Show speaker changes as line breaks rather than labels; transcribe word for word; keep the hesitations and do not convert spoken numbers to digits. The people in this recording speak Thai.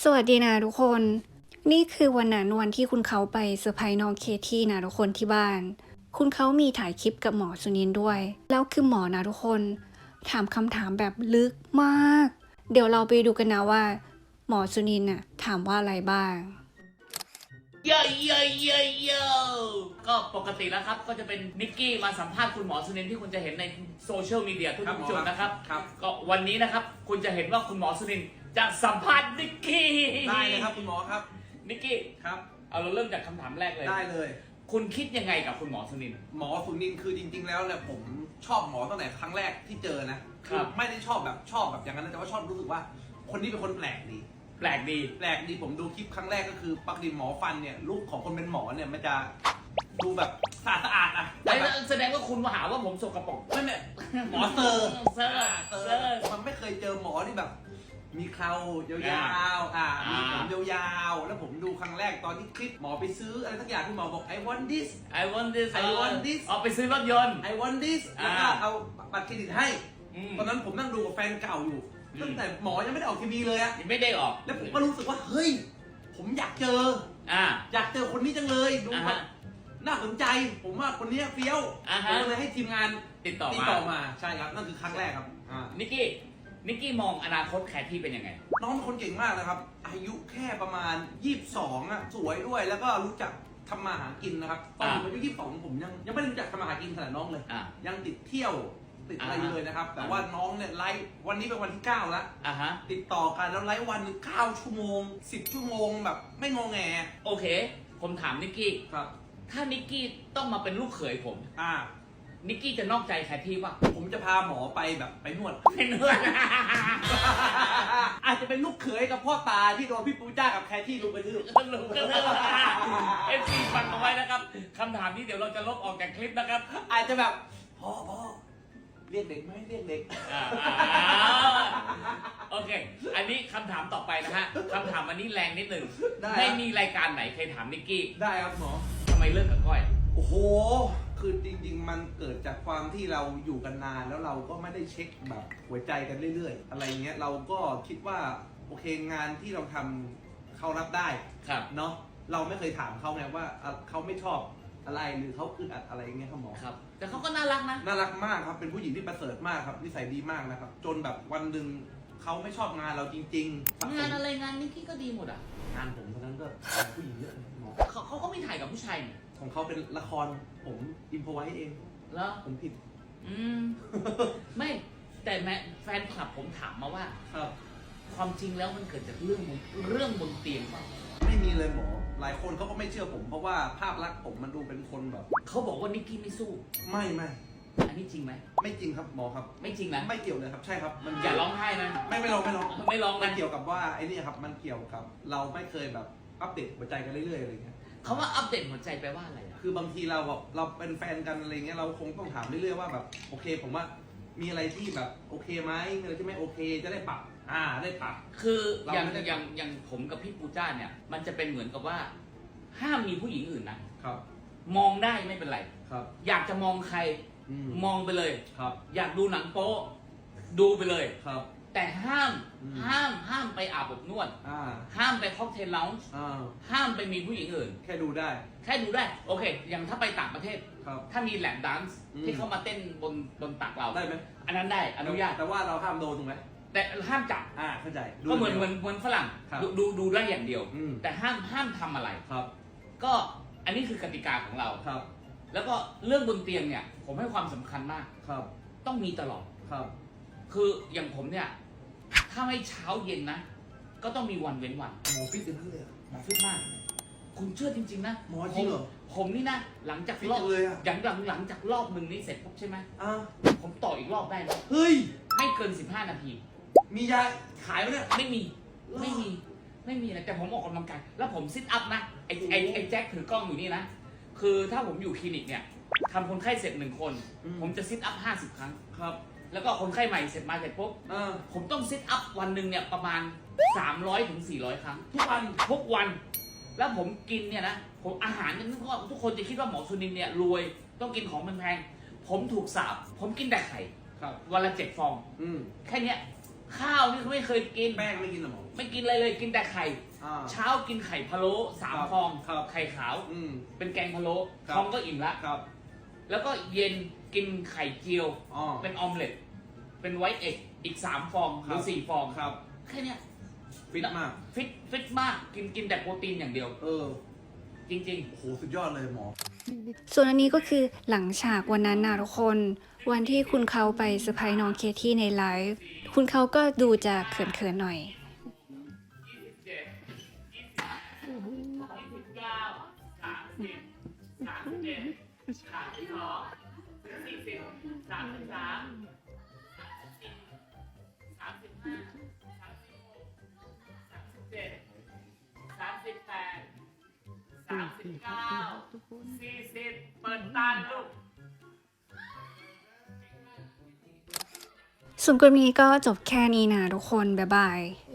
สวัสดีนะทุกคน นี่คือวันนั้นวันที่คุณเขาไปเซอร์ไพรส์น้องเคที่นะทุกคนที่บ้าน คุณเขามีถ่ายคลิปกับหมอสุนินท์ด้วย แล้วคือหมอนะทุกคน ถามคำถามแบบลึกมาก เดี๋ยวเราไปดูกันนะว่า หมอสุนินท์น่ะถามว่าอะไรบ้าง
เย่เย่เย่เย่ก็ปกติแล้วครับก็จะเป็นนิกกี้มาสัมภาษณ์คุณหมอสุนินท์ที่คุณจะเห็นในโซเชียลมีเดียทุกๆจุดนะครับครับก็วันนี้นะครับคุณจะเห็นว่าคุณหมอสุนินท์จะสัมภาษณ์นิกกี้
ได้เลยครับคุณหมอครับ
นิกกี้
ครับ
เอาเราเริ่มจากคำถามแรกเลย
ได้เลย
คุณคิดยังไงกับคุณหมอสุนินท์
หมอสุนินท์คือจริงๆแล้วเนี่ยผมชอบหมอตั้งแต่ครั้งแรกที่เจอนะคือไม่ได้ชอบแบบชอบแบบอย่างนั้นนะแต่ว่าชอบรู้สึกว่าคนนี้เป็นคนแปลกดี
แปลกดี
แปลกดีผมดูคลิปครั้งแรกก็คือปกติหมอฟันเนี่ยลุคของคนเป็นหมอเนี่ยมันจะดูแบบสะอาดสะอาดอ่ะ
แสดงว่าคุณมาหาว่าผมสกปรก
ไม่ไม่หมอเซอร์
เซอร์
เซอร์มันไม่เคยเจอหมอที่แบบมีเครายาวๆอ่ามีผมยาวๆแล้วผมดูครั้งแรกตอนที่คลิปหมอไปซื้ออะไรสักอย่างที่หมอบอก I want this
I want this
I want this
เอาไปซื้อรถยนต์
I want this แล้วก็เอาบัตรเครดิตให้ตอนนั้นผมนั่งดูกับแฟนเก่าอยู่ตั้งแต่หมอยังไม่ได้ออกทีวีเลยอะ
ยังไม่ได้ออก
แล้วผมก็รู้สึกว่าเฮ้ยผมอยากเจออ่าอยากเจอคนนี้จังเลยดูแบบน่าสนใจผมว่าคนนี้เฟี้ยวผมเลยให้ทีมงาน
ติดต่อ
ติดต่อมาใช่ครับนั่นคือครั้งแรกครับ
นิกกี้นิกกี้มองอนาคตแคทที่เป็นยังไง
น้องเป็นคนเก่งมากนะครับอายุแค่ประมาณยี่สิบสองอ่ะสวยด้วยแล้วก็รู้จักทำมาหากินนะครับตอนผมอายุยี่สิบสองผมยังยังไม่รู้จักทำมาหากินขนาดน้องเลยยังติดเที่ยวติดอะไรเลยนะครับแต่ว่าน้องเนี่ยไลฟ์วันนี้เป็นวันที่เก้าแล้วติดต่อกันแล้วไลฟ์วันหนึ่งเก้าชั่วโมงสิบชั่วโมงแบบไม่งอแง
โอเคผมถามนิกกี้
ครับ
ถ้านิกกี้ต้องมาเป็นลูกเขยผม
อ่า
นิกกี้จะนอกใจแคทที่ป่ะ
ผมจะพาหมอไปแบบไปนวด
ไปนวด
อาจจะเป็นลูกเขยกับพ่อตาที่โดนพี่ปูจ้ากับแคทที่ลุกไปทืบ
ลุกกระทืบเอฟซีฟังเอาไว้นะครับคำถามนี้เดี๋ยวเราจะลบออกจากคลิปนะครับ
อาจจะแบบพ่อพ่อเรียกเด็กไหมเรียกเด็ก
โอเคอันนี้คำถามต่อไปนะฮะคำถามอันนี้แรงนิดหนึ่งไม่มีรายการไหนเคยถามนิกกี้
ได้ครับหมอ
ทำไมเลิกกับก้อย
โอ้โหคือจริงๆมันเกิดจากความที่เราอยู่กันนานแล้วเราก็ไม่ได้เช็คแบบหัวใจกันเรื่อยๆอะไรเงี้ยเราก็คิดว่าโอเคงานที่เราทำเขารับได้เนาะเราไม่เคยถามเขาไงว่าเขาไม่ชอบอะไรหรือเขาอึดอัดอะไรเงี้ยครับหมอ
ครับแต่เขาก็น่ารักนะ
น่ารักมากครับเป็นผู้หญิงที่ประเสริฐมากครับนิสัยดีมากนะครับจนแบบวันหนึ่งเขาไม่ชอบงานเราจริง
ๆงานอะไรงานนี้พี่ก็ดีหมดอ่ะ
งานผมตอนนั้นก็ผู้หญิงเยอะหมอ
เขาเขาก็ไม่ถ่ายกับผู้ชาย
ของเขาเป็นละครผมอินโฟไว้เอง
แล้ว
ผมผิด
อืมไม่แต่แม่แฟนคลับผมถามมาว่า
ครับ
ความจริงแล้วมันเกิดจากเรื่องเรื่องบนเตียงเปล่า
ไม่มีเลยหมอหลายคนเขาก็ไม่เชื่อผมเพราะว่าภาพลักษณ์ผมมันดูเป็นคนแบบ
เขาบอกว่านิกกี้ไม่สู้
ไม่ไม่
อันนี้จริงไหม
ไม่จริงครับหมอครับ
ไม่จริงนะ
ไม่เกี่ยวเลยครับใช่ครับ
มันอย่าร้องไห้นะ
ไม่ไม่ร้องไม่ร้อง
ไม่ร้อง
มันเกี่ยวกับว่าไอ้นี่ครับมันเกี่ยวกับเราไม่เคยแบบอัปเดตหัวใจกันเรื่อยๆอะไรเงี้ย
เขาว่าอัปเดตหัวใจแปลว่าอะไร
คือบางทีเราแบบเราเป็นแฟนกันอะไรเงี้ยเราคงต้องถามเรื่อยๆว่าแบบโอเคผมว่ามีอะไรที่แบบโอเคไหมมีอะไรที่ไม่โอเคจะได้ปรับอ่าได้ปรับ
คืออย่างอย่างอย่างผมกับพี่ปูจ้าเนี่ยมันจะเป็นเหมือนกับว่าห้ามมีผู้หญิงอื่นนะครับมองได้ไม่เป็นไร
ครับ
อยากจะมองใครมองไปเลย
ครับ
อยากดูหนังโป๊ดูไปเลย
ครับ
แต่ห้ามห้ามห้ามไปอาบอบนวดห้ามไปค็อกเทลเลาน์ห้ามไปมีผู้หญิงอื่น
แค่ดูได้
แค่ดูได้โอเคอย่างถ้าไปต่างประเทศถ้ามีแลปแดนซ์ที่เขามาเต้นบนบนตักเรา
ได้ไหม
อันนั้นได้อนุญาต
แต่ว่าเราห้ามโดนถูกไหม
แต่ห้ามจับ
อ่าเข้าใจ
ก็เหมือนเหมือนเหมือนฝรั่งดูดูดูได้อย่างเดียวแต่ห้ามห้ามทำอะไร
ครับ
ก็อันนี้คือกติกาของเรา
ครับ
แล้วก็เรื่องบนเตียงเนี่ยผมให้ความสำคัญมาก
ครับ
ต้องมีตลอด
ครับ
คืออย่างผมเนี่ยถ้าไม่เช้าเย็นนะก็ต้องมีวันเว้นวัน
หมอฟิตเป็นเพื่อน
หมอฟิตมากคุณเชื่อจริงๆนะ
หมอจริงเหรอ
ผมนี่นะหลังจากรอบอย่างหลังหลังจากรอบหนึ่งนี้เสร็จปุ๊บใช่ไหม
อ่า
ผมต่ออีกรอบได้ไหม
เฮ้ย
ไม่เกินสิบห้านาที
มียาขายไหมเนี่ย
ไม่มีไม่มีไม่มีนะแต่ผมออกกำลังกายแล้วผมซิทอัพนะไอ้ไอ้ไอ้แจ็คถือกล้องอยู่นี่นะคือถ้าผมอยู่คลินิกเนี่ยทำคนไข้เสร็จหนึ่งคนผมจะซิทอัพห้าสิบครั้ง
ครับ
แล้วก็คนไข้ใหม่เสร็จมาเสร็จปุ๊บผมต้องซิทอัพวันหนึ่งเนี่ยประมาณสามร้อยถึงสี่ร้อยครั้งทุกวันทุกวันแล้วผมกินเนี่ยนะผมอาหารเนี่ยทุกคนจะคิดว่าหมอสุนินเนี่ยรวยต้องกินของแพงๆผมถูกสาบผมกินแต่ไข่วันละเจ็ดฟองแค่เนี้ยข้าวนี่เขาไม่เคยกิน
แป้งไม่กินหรอหมอ
ไม่กินอะไรเลยกินแต่ไข่
อ่า
เช้ากินไข่พะโล้สาม
ครับ
ฟอง
ครับ
ไข่ขาว
อืม
เป็นแกงพะโล้
ครับ
ท้องก็อิ่มละ
ครับ
แล้วก็เย็นกินไข่เจียว
อ๋อ
เป็นออมเล็ตเป็นไวท์เอ็กอีกสามฟองห
ครั
รื
บ
อสี่ฟอง
ครับ
แค่เนี้ย
ฟิตมาก
ฟิตฟิตมากกินกินแต่โปรตีนอย่างเดียว
เออ
จริง
โอ้โหสุดยอดเลยหมอ
ส่วนอันนี้ก็คือหลังฉากวันนั้นนะทุกคน วันที่คุณเขาไปเซอร์ไพรส์น้องเคที่ในไลฟ์คุณเขาก็ดูจะเขินๆหน่อย
ๆ ยี่สิบเจ็ด ยี่สิบ ยี่สิบเก้า สามสิบ สามสิบเอ็ด สามสิบสอง สี่สิบ สามสิบสาม สามสิบห้า สามสิบหก สามสิบเจ็ด สามสิบแปด สามสิบเก้า สี่สิบ เปิดตาลูก
ส่วนกลุ่มนี้ก็จบแค่นี้นะทุกคน บ๊ายบาย